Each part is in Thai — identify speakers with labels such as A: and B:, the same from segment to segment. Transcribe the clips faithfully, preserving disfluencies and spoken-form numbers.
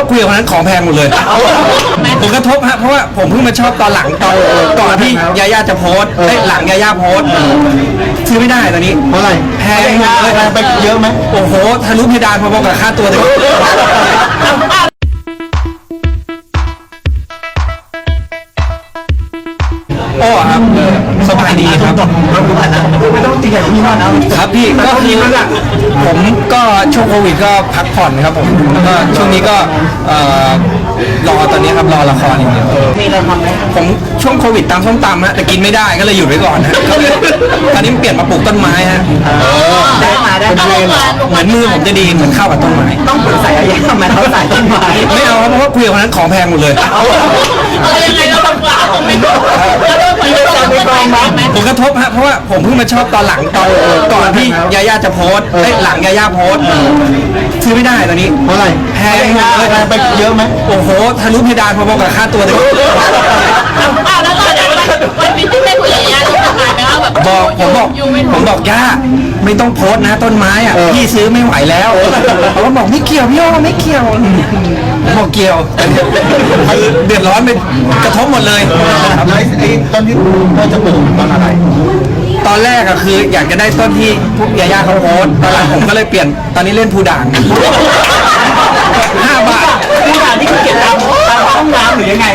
A: ว่าคุยกับคนนั้นของแพงหมดเลยผมกระทบฮะเพราะว่าผมเพิ่งมาชอบตอนหลังตอนก่อนที่ยาย่าจะโพสต์หลังยาย่าโพสต์ซื้อไม่ได้ตอนนี้
B: เพราะอะไร
A: แพงหมดเลย
B: ไปเยอะไหม
A: โอ้โหทะลุเพดานพอๆกับค่าตัวเลยโอ้ครับสบายดีครับ
B: ไม่ต้องตีใหญ่ที่นั่นนะครับ
A: พี่ก็คือผมก็ช่วงโควิดก็พักผ่อนครับผมแล้วก็ช่วงนี้ก็รอตอนนี้ครับรอละครอย่างเดียว
B: มีอะไรทำไหม
A: ผมช่วงโควิดตามส้มตำฮะแต่กินไม่ได้ก็เลยหยุดไว้ก่อนฮะตอนนี้เปลี่ยนมาปลูกต้นไม้ฮะ
B: ได้มาได้มา
A: เหมือนมือผมจะดีเหมือนเข้ากับต้นไม้
B: ต้องปรึกษาอะไรทำไมเขาใส่ต้นไม้
A: ไม่เอาเพราะว่าคุยกับคนนั้นของแพงหมดเลย
C: อะไรยังไงเราทำกล่าวผมไม่รู้เราเริ่มไปเราไม่กองมั้ย
A: ผมกระทบฮะเพราะว่าผมเพิ่งมาชอบตอนหลังตอนก่อนที่ยาย่าจะโพสต์หลังยาย่าโพสต์ซื้อไม่ได้ตอนนี้
B: เพราะอะไร
A: แพงหมดเลย
B: ไปเยอะไหม
A: โอ้โหทะลุเพดานพอๆกับค่าตัวเลย
C: อ้าวแล้วตอนนี้วันนี้ที่ได้คุยกับยาที่ทำงานไหมว่าแบบ
A: บอกผมบอกผมบอกย่าไม่ต้องโพสต์นะต้นไม้อ่ะพี่ซื้อไม่ไหวแล้วเขาบอกไม่เกี่ยวพี่โอไม่เกี่ยวผมบอกเกี่ยวเดือดร้อนไปกระทบหมดเลย
B: แล้วไอ้ต้นที่ต้นจะปลูกต้นอะไร
A: ตอนแรกอะคืออยากจะได้ต้นที่พวกยาย่าเขาโพสตอนหลังผมก็เลยเปลี่ยนตอนนี้เล่นภูด่างห้าบาท
B: ภูด่างที่เขาเก็บตามตามห้องน้ำหรือยังไง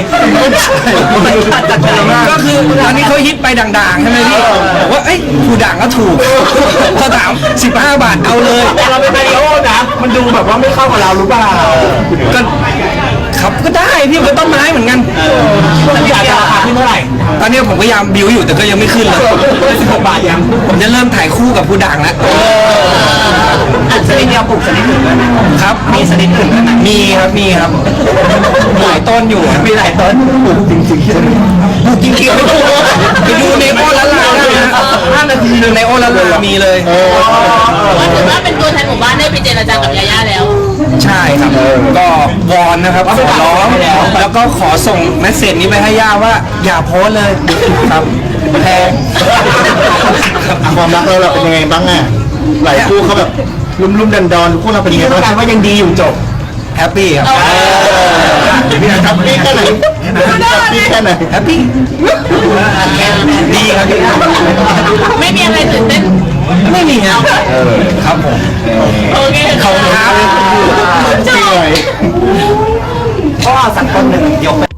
A: ก็คือตอนนี้เขาฮิตไปด่างๆใช่ไหมพี่บอกว่าเอ้ยภูด่างก็ถูกเขาถามสิบห้าบาทเอาเลย
B: แต่เราเป็นมาริโอนะมันดูแบบว่าไม่เข้ากับเราหรือเปล่า
A: ก็ครับก็ได้พี่มันต้นไม้เหมือนกัน
B: อยากจะราคาขึ้นเท่าไหร่
A: ตอนนี้ผมพยายามบิวอยู่แต่ก็ยังไม่ขึ้นเลย
B: สิบหกบาทยัง
A: ผมจะเริ่มถ่ายคู่กับภูด่างแล้ว
B: ชนิดเดียวปลูกชนิดอื่นด้วย
A: ครับ
B: มีชนิดอื่นไหม
A: มีครับมีครับหลายต้นอยู่
B: มีหลายต้นปลูกจริงจริง
A: ปลูกจริงๆไปดูไปดูในโอละลาได้นะห้านาทีในโอละลามีเลย
C: ก็ถือว่าเป็นตัวแทนหมู่บ้านได้ไปเจรจากับยาย่าแล้ว
A: ใช่ครับก็วอนนะครับขอร้องแล้วก็ขอส่งเมสเซจนี้ไปให้ย่าว่าอย่าโพสเลยครับแพง
B: ความรักเราเป็นยังไงบ้างอ่ะหลายคู่เขาแบบลุ่มๆดันดอนคู่เราเป็นยังไงบ้างว่ายังดีอยู่จบ
A: แฮปปี้ครับ
B: พี่แฮปปี้แค่ไหนแฮปปี้แค่ไหน
A: แฮปปี้ดีครับ
C: ไม่มีอะไรตื่นเต้น
A: ไม่มีครับครับผม
C: โอเค
A: ขอบคุณครับ
B: จริงเลยก็สักคนหนึ่งยก